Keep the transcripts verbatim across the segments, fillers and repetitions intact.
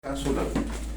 Kaso lang,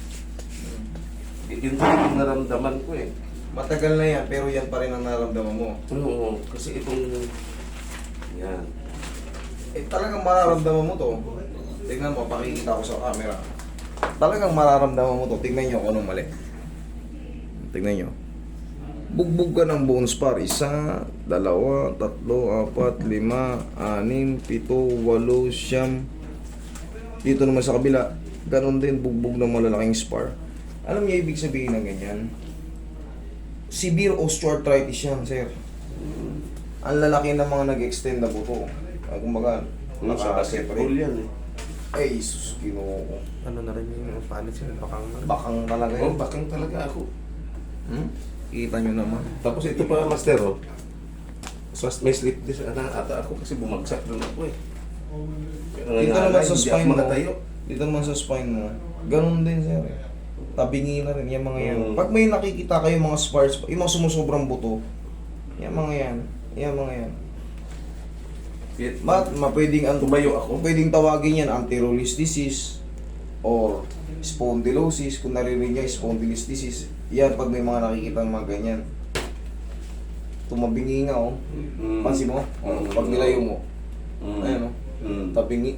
yun din yung naramdaman ko eh. Matagal na yan, pero yan pa rin ang nararamdaman mo. Oo, kasi itong, yan. Eh talagang mararamdaman mo to. Tingnan mo, pakikita ko sa camera. Talagang mararamdaman mo to. Tingnan nyo kung anong mali. Tingnan nyo. Bugbog ka ng bone spar. Isa, dalawa, tatlo, apat, lima, anim, pito, walo, siyam. Dito naman sa kabila, ganon din, bugbog ng malalaking spar. Alam niyo ibig sabihin ng ganyan? Severe osteoarthritis yan, sir. Ang lalaki ng mga nag-extend na buto. Ay, kumbaga, Yung sa basketball yan eh. ay, sus, ginoo ko. Ano na rin yung palit siya, bakang na rin. Bakang talaga Oo, yun. bakang talaga ako. Hmm? Kita nyo naman. Tapos ito pa, master, oh. So, may slip disc na ata ako kasi bumagsak doon ako eh. Kaya Dito nga, naman sa hindi spine ako mo. makatayo. Dito naman sa spine mo. Ganon din, sir. Tabingi na rin, yung mga yan. Mm. Pag may nakikita kayo mga spars, yung mga sumusobrang buto, yung mga yan. Yung mga yan. Kaya, Mat, mapwedeng ang tumayo ako. pwedeng tawagin yan anterolist disease or spondylosis. Kung narinig niya spondylosis disease, yan pag may mga nakikita ng mga ganyan. Tumabingi nga, oh. Mm. Pansin mo? Oh, Mm. pag nilayo mo. Mm. Ayan, oh. Mm. Tabingi.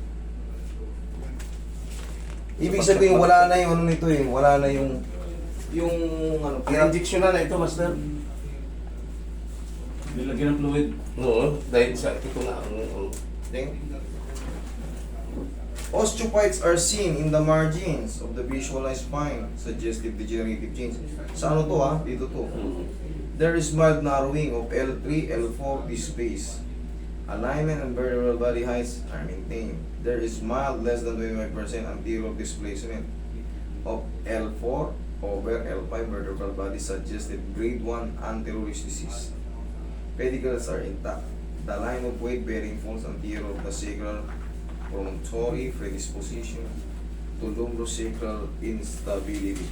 Ibig sabihin wala na yung ano nito eh, wala na yung yung ano, hirap. Injection na na ito, master. Nilagyan ng fluid. Oo, dahil sa ito nga ang... ang- Ting. Osteophytes are seen in the margins of the visualized spine, suggestive degenerative change. Sa ano to ha? Dito to. Mm. There is mild narrowing of L three, L four displays. Alignment and vertebral body heights are maintained. There is mild less than twenty-five percent anterior displacement of L four over L five vertebral body suggested grade one anterolist disease. Pedicles are intact. The line of weight bearing falls anterior of the sacral promontory predisposition to lumbosacral instability.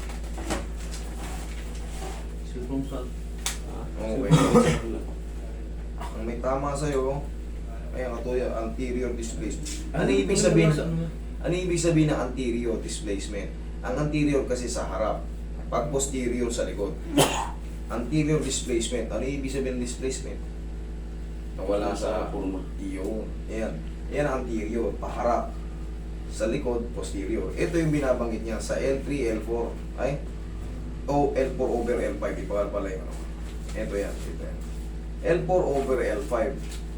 Silpong sa... Okay. Ang may tama sa'yo, ay ang katuya, anterior displacement. Ano ibig sabihin? Ano ibig sabihin ng anterior displacement? Ang anterior kasi sa harap, pag posterior sa likod. Anterior displacement. Ano ibig sabihin ng displacement? Nawala sa forma. iyo. Yan. Yan ang anterior, paharap. Sa likod, posterior. Ito yung binabanggit niya sa L three, L four. Ay? O L four over L five. Iba pala yung ano. Ito yan. Ito yan. L four over L five.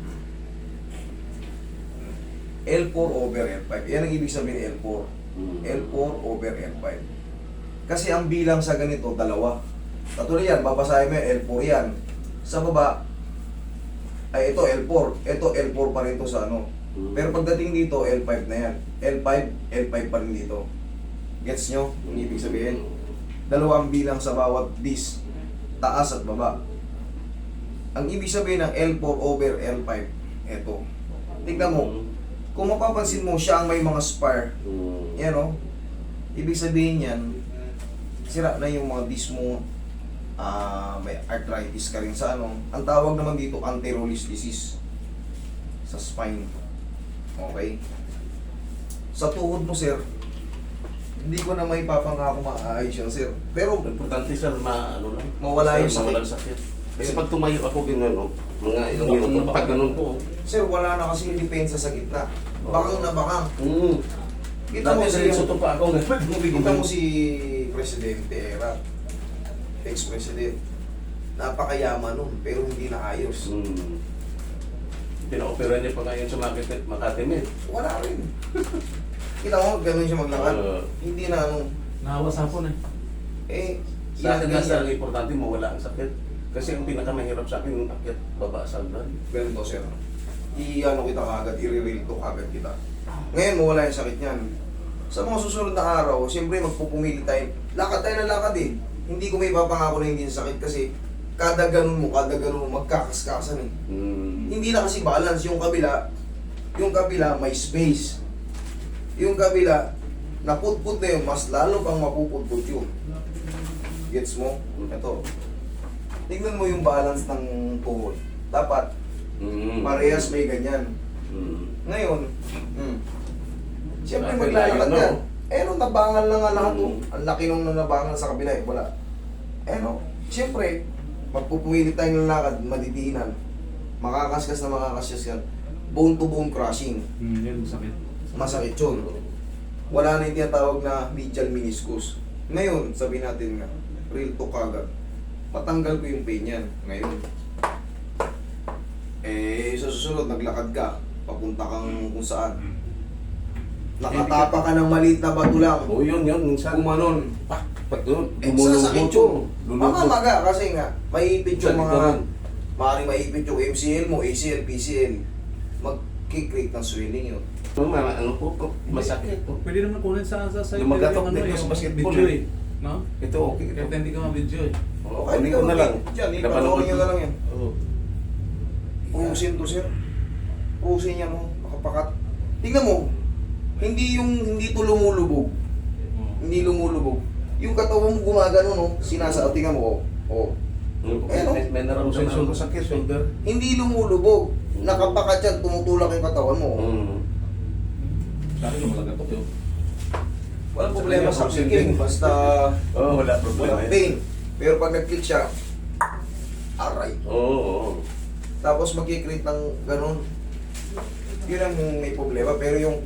L four over L five. Yan ang ibig sabihin L four. Mm. L four over L five. Kasi ang bilang sa ganito, dalawa. Katulad yan, babasahin mo yan, L four yan. Sa baba, ay ito L four. Ito L four pa rin to sa ano. Mm. Pero pagdating dito, L five na yan. L five, L five pa rin dito. Gets nyo? Ang ibig sabihin? Dalawang bilang sa bawat disc. Taas at baba. Ang ibig sabihin ng L four over L five, eto. Tignan mo, kung mapapansin mo, siya ang may mga spar. Mm. Yan o. Ibig sabihin yan, sira na yung mga disc mo. Ah, may arthritis ka rin sa ano. Ang tawag naman dito, anterolist disease. Sa spine. Okay? Sa tuhod mo, sir, hindi ko na may papangako maayos yan, sir. Pero, Importante sir, ma, ano lang. Mawala yung Sir, mawala sakit. yung sakit. Kasi pag tumayo ako ganun, no, mga ilang minuto, pag ganun po. sir, wala na kasing depensa sa gitna. Bakang na bakang. Mm. Kita mo Dati si, diretso to pa ako. kita mo si Presidente Era, ex-president. Napakayaman nun, pero hindi na ayos. Mm. Pina-opera niya pa ngayon sa Makati, Makati Med. Wala rin. Kita mo, ganun siya maglakad. Oo. Hindi na ano. Nahawa sa hapon eh. Eh, Sa akin ilagay nasa niya. ang importante, mawala ang sakit. Kasi ang pinakamahirap sa akin, yung akyat, baba sa hagdan. Ganito, sir. I-ano kita kagad, i-reveal to kagad kita. Ngayon, mawala yung sakit niyan. Sa mga susunod na araw, siyempre magpupumili tayo. Lakad tayo ng lakad eh. Hindi ko may papangako na hindi sakit kasi kada ganun mo, kada ganun mo, magkakaskasan eh. Mm. Hindi na kasi balance. Yung kabila, yung kabila may space. Yung kabila, naputput na yun, mas lalo pang mapuputput yun. Gets mo? Ito. Tingnan mo yung balance ng tuhod. Dapat, Mm. parehas may ganyan. Mm. Ngayon, mm, siyempre Kailangan maglalakad no? ka. Eh no, nabangal na nga lahat oh. Ang laki nung nabangal sa kabila eh, wala. Eh no, siyempre, magpupumilit tayong lalakad, madidiinan. Makakaskas na makakaskas yan. Bone to bone crushing. Hmm, yun, sakit. Masakit yun. Wala na yung tinatawag na medial meniscus. Ngayon, sabi natin nga, real to kagad. Patanggal ko yung pain yan. Ngayon. Eh, sa susunod, naglakad ka. Papunta kang kung saan. Nakatapa ka ng maliit na bato lang. Oo, yun, yun. Minsan, Kumanon. ah, pag doon, Eh, lumulubog sasakit yun. yun. Lulubog. Mamamaga kasi nga, maipit yung Sa mga, likuran. maaaring maipit yung M C L mo, A C L, P C L. Mag-create ng swelling yun. Yung mga ano po, po, masakit po. Pwede naman kunin sa sa side. Lumagatok yung din yung sa basketball video eh. eh. No? Ito, okay. Ito. Kahit hindi ka ma-video eh. Oo, Kahit kunin ko na lang. Diyan, Napanood ipanood nyo ko. na lang yan. Oo. Puhusin to sir. Puhusin niya mo, nakapakat. Tingnan mo, hindi yung, hindi to lumulubog. Hindi lumulubog. Yung katawan mo gumagano, no? Sinasa, tingnan mo, oh. Oh. Eh, no? may, may naramdaman ako sakit. Shoulder. Hindi lumulubog. Nakapakat yan, tumutulak yung katawan mo. oh. Mm. Sa akin, lumagatok yun. Walang problema sa clicking, basta Oo, wala problema. walang pain. Pero pag nag-click siya, aray. Oo, oo. Tapos mag-create ng ganun. Yun ang may problema. Pero yung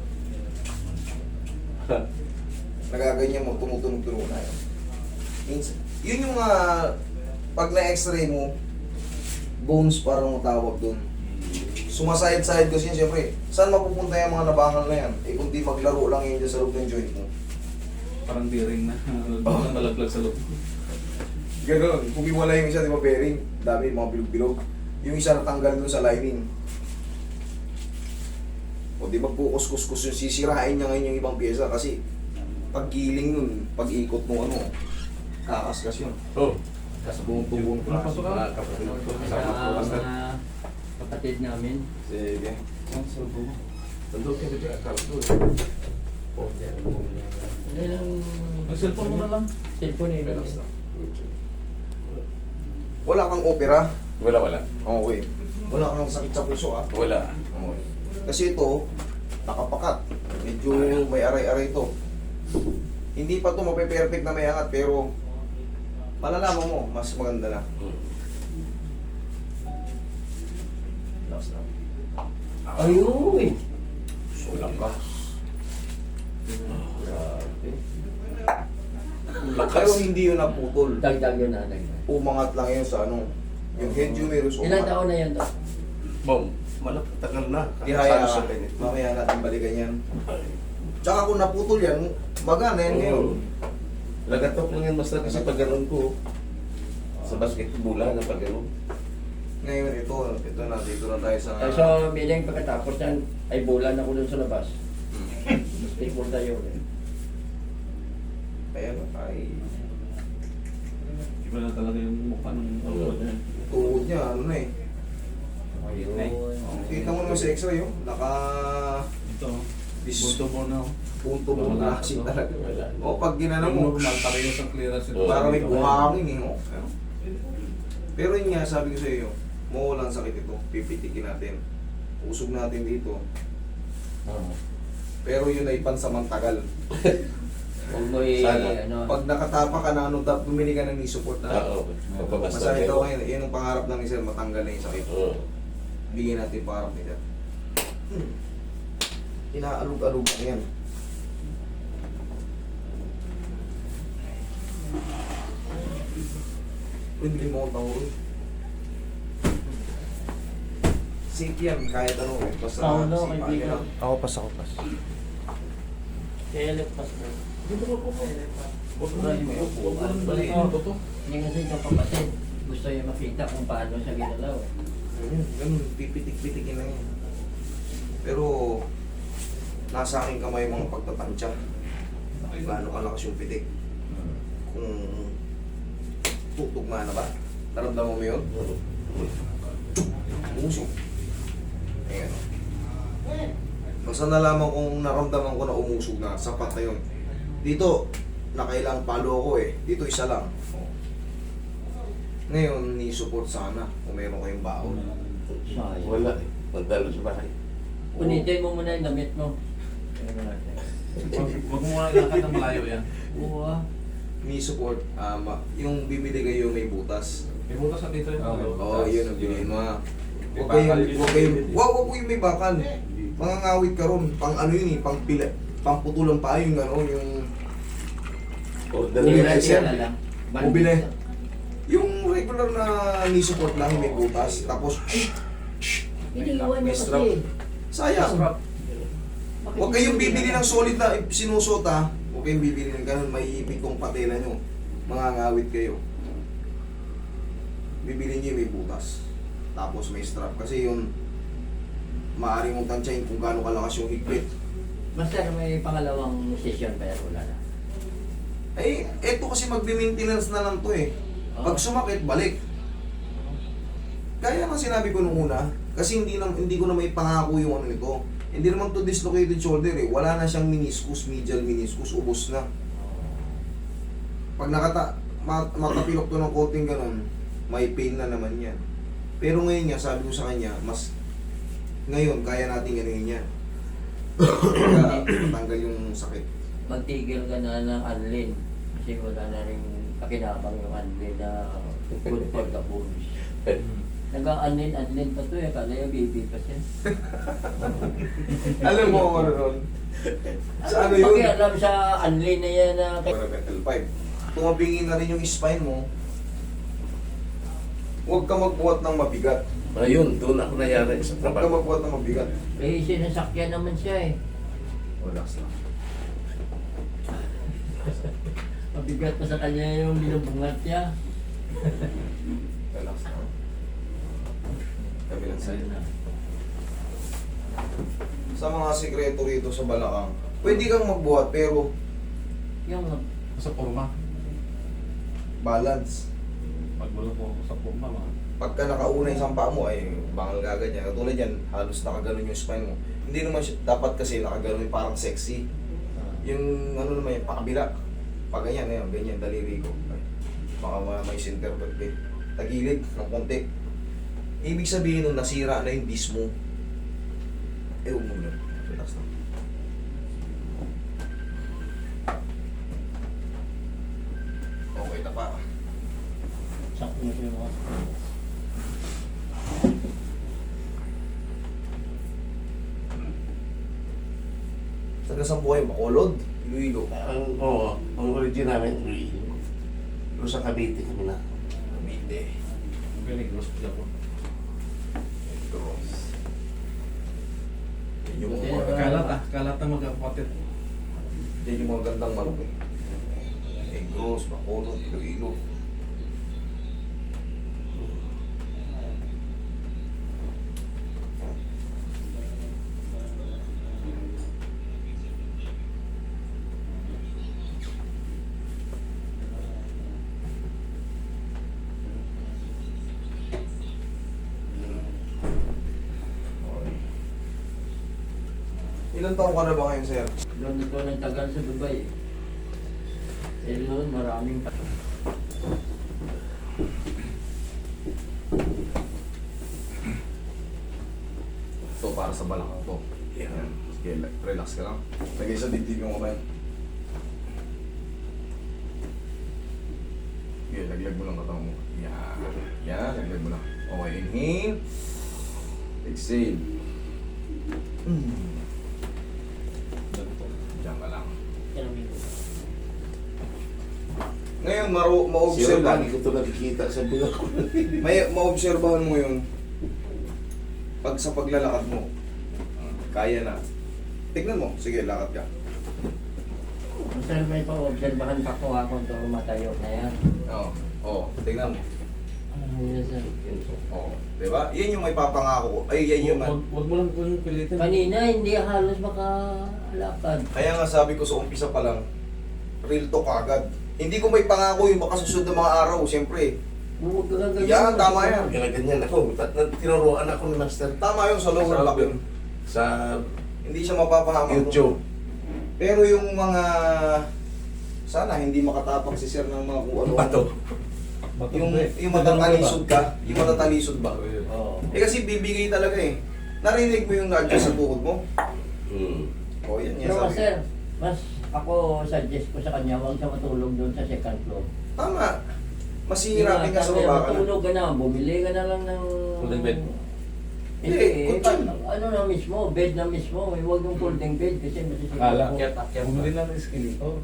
nagaganyan mo, tumutunog-tunog na yun. Minsan, yun yung mga pag na-x-ray mo, bones parang matawag dun. Sumasayad-sayad kasi yun, siyempre. Saan mapupunta yung mga nabangal na yan? Eh kung di maglaro lang yun dyan sa loob ng joint mo. Parang bearing na. Oh. Nalaglag sa loob. Ganun. Kung wala yung isa, di ba, bearing, dami mga bilog-bilog. Yung isa natanggal dun sa lining. O di ba kukus-kus-kus yung sisirain niya ngayon yung ibang pyesa kasi paggiling nun, pag-ikot mo ano, kakaskas yun. Oo. Kasi buong tubong Ano, pasok ka? Mga kapatid. Sa Kasama ko. Basta. mga kapatid namin. Sige. Ang sarbo mo. Nandun ka dito, akal ko. Oh, yan. Ano lang, Ang cellphone mo na lang. cellphone eh. Meron na. Wala kang opera. Wala, wala. Okay. Wala kang sakit sa puso ah. Wala. Okay. Kasi ito, nakapakat. Medyo may aray-aray ito. Hindi pa ito mape-perfect na may angat pero malalaman mo, mas maganda na. Mm. Last na. Ayun! Sulang ka. Grabe. Lakas. Pero hindi yun naputol. Dagdag yun na, dagdag. Umangat lang yun sa ano. Yung head humerus Ilang taon na yan to? Bom, malapit tagal na. Ihaya Sabi sa ka. akin, ito. Mamaya natin balikan yan. Tsaka kung naputol yan, magana yan ngayon. Oo. Lagatok lang yan basta kasi pag ganun ko. Sa basketball na pag ganun. Ngayon ito, ito na, dito na tayo sa... Uh, so, bilang pagkatapos yan, ay bulan ako dun sa labas. Basketball tayo eh. Ayan, ay... Iba na talaga yung mukha ng Oo. Tuhod niya, ano na eh. Ayun. Kita mo naman sa x-ray, oh. Naka... Ito. Bis- Bunto mo na. punto mo Wala. na kasi talaga. Wala. O, pag ginano Yung mo, normal, parehas ang clearance. Oo. parang may buhangin eh, oh. Ano? Pero yun nga, sabi ko sa iyo, mawalan sakit ito, pipitikin natin. Usog natin dito. Oo. Pero yun ay pansamantagal. Huwag mo i- Sana. ano, Pag nakatapa ka na, ano, dap, bumili ka ng knee support na. Oo. Papabasta. Masakit ako ngayon, yun ang pangarap ng isa, matanggal na yung sakit. Oo. Bigyan natin yung pangarap nila. Hmm. Inaalog-alog na yan. Pwede mo akong tawag. Safe yan, kahit ano eh. Basta Tao daw, sipain kaibigan. lang. Ako pas, ako pas. kaya pas mo. Dito ko po. Huwag mo Bali mo na. yung Huwag mo na upuan. balikin ito to. Hindi kasi yung kapatid. Gusto niya makita kung paano siya ginalaw. eh. Ganun, ganun, pipitik-pitikin lang yan. Pero, nasa aking kamay mga pagtatansya. Gaano kalakas yung pitik. Kung tutugma na ba? Naramdaman mo yun? Umusog. Ayan. Basta nalaman kong naramdaman ko na umusog na, sapat na yun. Dito, nakailang palo ako eh. Dito isa lang. Oh. Ngayon, ni-support sana kung meron kayong baon. Sayang. Wala eh. Magdalo sa bahay. Punitin mo muna yung damit mo. Tingnan natin. Wag wag mo muna ilakad ng malayo yan. Oo ah. Knee support, ah, ma- yung bibili kayo may butas. May butas na dito yun. Oo, oh, yun ang bilhin mo. ah. Huwag kayong, huwag kayong, wag, wag yung may bakal. Mangangawit ka ron, pang ano yun eh, pang pila, pang putulang pa yung ano, yung, Order Bumili na siya. siya. lang. Bumili. yung regular na knee support lang, may butas. Tapos, Iniiwan May niya strap. kasi. sayang. Bakit Huwag kayong hindi bibili nila- ng solid na sinusot ha. Huwag kayong bibili ng ganun, may ipit kong patela nyo. Mangangawit kayo. Bibili nyo yung may butas. Tapos may strap. Kasi yun, maaari mong tansyahin kung gaano kalakas yung higpit. Master, may pangalawang session pa yan, wala na. Eh, eto kasi magbe-maintenance na lang to eh. Pag sumakit, balik. Kaya nga sinabi ko nung una, kasi hindi na, hindi ko na may pangako yung ano nito. Hindi naman to dislocated shoulder eh. Wala na siyang meniscus, medial meniscus, ubos na. Pag nakata, ma- makapilok to ng konting ganun, may pain na naman yan. Pero ngayon nga, sabi ko sa kanya, mas ngayon, kaya natin ganuhin yan. Kaya matanggal yung sakit. Magtigil ka na ng Anlin. Kasi wala na rin pakinabang yung Anlin na good for the bones. Nag-a-Anlin, Anlin pa to eh. Kala yung baby pa siya. Alam mo kung ano nun? Sa ano yun? Pakialam sa Anlin na yan na... L five. Tumabingin na rin yung spine mo. Huwag ka magbuhat ng mabigat. Ayun, doon ako nangyari sa Huwag ka trabaho. magbuhat ng mabigat. Eh, sinasakyan naman siya eh. Relax lang. Mabigat pa sa kanya yung binubungat niya. Relax lang. Kabilang side. Sa mga sikreto rito sa balakang, pwede kang magbuhat pero Yung Sa forma. balance. Pag wala po ako sa forma, mga Pagka nakauna yung sampa mo ay bangal gaganyan. Katulad yan, halos nakaganon yung spine mo. Hindi naman siya, dapat kasi nakaganon yung parang sexy. Yung ano naman yung pakabila. Pag ganyan, ganyan, ganyan, daliri ko. Ay, baka ma- may center vertebrae. Tagilid ng konti. Ibig sabihin nun, nasira na yung disc mo. Eh, huwag mo lang. Relax lang. Okay, tapa. sakto na siya mga... Taga saan po kayo? Bacolod? Iloilo? Ang, oo, ang origin namin, Iloilo. Doon sa Cavite kami na. Cavite. galing hospital ko. Cross. Yan yung Buti mga, na- Kalat ah, kalat na magkapatid. yan yung mga gandang manok eh. Negros, Bacolod, Iloilo. Ilan taong ka na ba ngayon, sir? Doon ito ng tagal sa Dubai eh. Eh doon maraming... Ito para sa balakang to. Yan. Sige, relax ka lang. Lagay sa dibdib yung kamay. Sige, laglag mo lang katawan mo. Yan. Yan, laglag mo lang. Okay, inhale. Exhale. Mm. Diyan ka lang. Ngayon, maro, Sino ma-observe lagi ko ito nakikita sa buga ko. May maobserbahan mo yun pag sa paglalakad mo. Kaya na. Tignan mo. Sige, lakad ka. Sir, may pa-obserbahan pa ko ako ito matayo na yan. Oo. Oo. Tignan mo. Ano yun sir? Oo. Diba? Yan yung may papangako ko. Ay, yan yung... Huwag huwag mo lang kung pilitin. Kanina hindi halos makalakad. Kaya nga sabi ko sa umpisa pa lang, real talk agad. Hindi ko may pangako yung baka susunod na mga araw. Siyempre. Huwag ka ganyan. Yan, tama yan. Kaya ganyan ako. At na- tinuruan ako ni Master Tama yun sa lower Sa- back yun. sa Hindi siya mapapahamak. YouTube. Pero yung mga... Sana hindi makatapak si sir ng mga kung ano. Bato. Yung, yung matatalisod ka. Yung matatalisod ba? Oo. Eh kasi bibigay talaga eh. Narinig mo yung na-adjust sa tuhod mo? Hmm. O yan, yan Pero sabi. sir, Mas ako suggest ko sa kanya, huwag siya matulog doon sa second floor. Tama. Masihirapin ka sa Sabi, baba ka na. matulog ka na, bumili ka na lang ng... Folding bed. Hindi, Hindi, eh, kutsun. pa- ano na mismo, bed na mismo. eh, Huwag yung folding bed kasi masisipin Akala, ko. bumili lang ng escalator.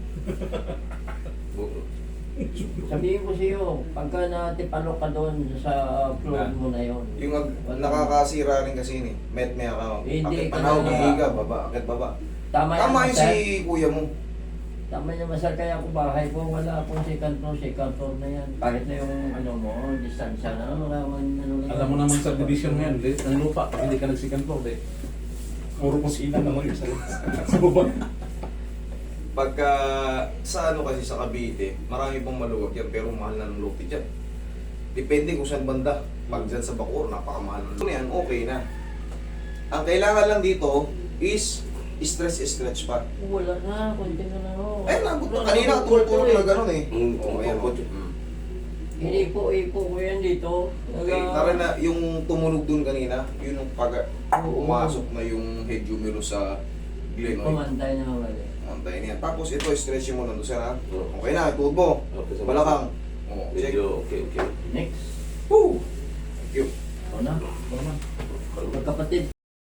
Sabihin ko sa'yo, pagka natipalo ka doon sa floor mo na yon. Yung ag- nakakasira rin kasi yun eh. Met may account. Hindi, Akit panaw, kaya- gihiga, baba, akit baba. Tama, Tama yan, yung Masal. si kuya mo. Tama niya, Masal. Kaya ako bahay ko, wala akong second floor, second floor na yan. Kahit na yung ano mo, distansya na, wala man, ano lang. Alam mo naman sa division ngayon, di, ang lupa, pag hindi ka nag-second floor, di. Puro kusina naman yung sa, sa baba. Pagka sa ano kasi sa Cavite, marami pang maluwag yan pero mahal na ng lote dyan. Depende kung saan banda. Pag dyan sa Bacoor, napakamahal ng lote. Yan, okay na. Ang kailangan lang dito is stress-stretch pa. Wala na, konti na lang ako. Eh, nabot na Wala kanina, na, tulog-tulog eh. na gano'n eh. Mm, Oo, ayan. opo. Mm. Inipo-ipo ko yan dito. Okay, tara na, yung tumunog dun kanina, yun yung pag Oo. pumasok na yung head humerus sa glenoid. Pumantay na mali. Antayin niya. Tapos ito, stretching mo lang doon, sir ha? Oo. Okay na, tuhod mo. Okay, sa Balakang. Oo, check. Medyo okay, okay. Next. Woo! Thank you. Ako na. Ito naman. Magkapatid.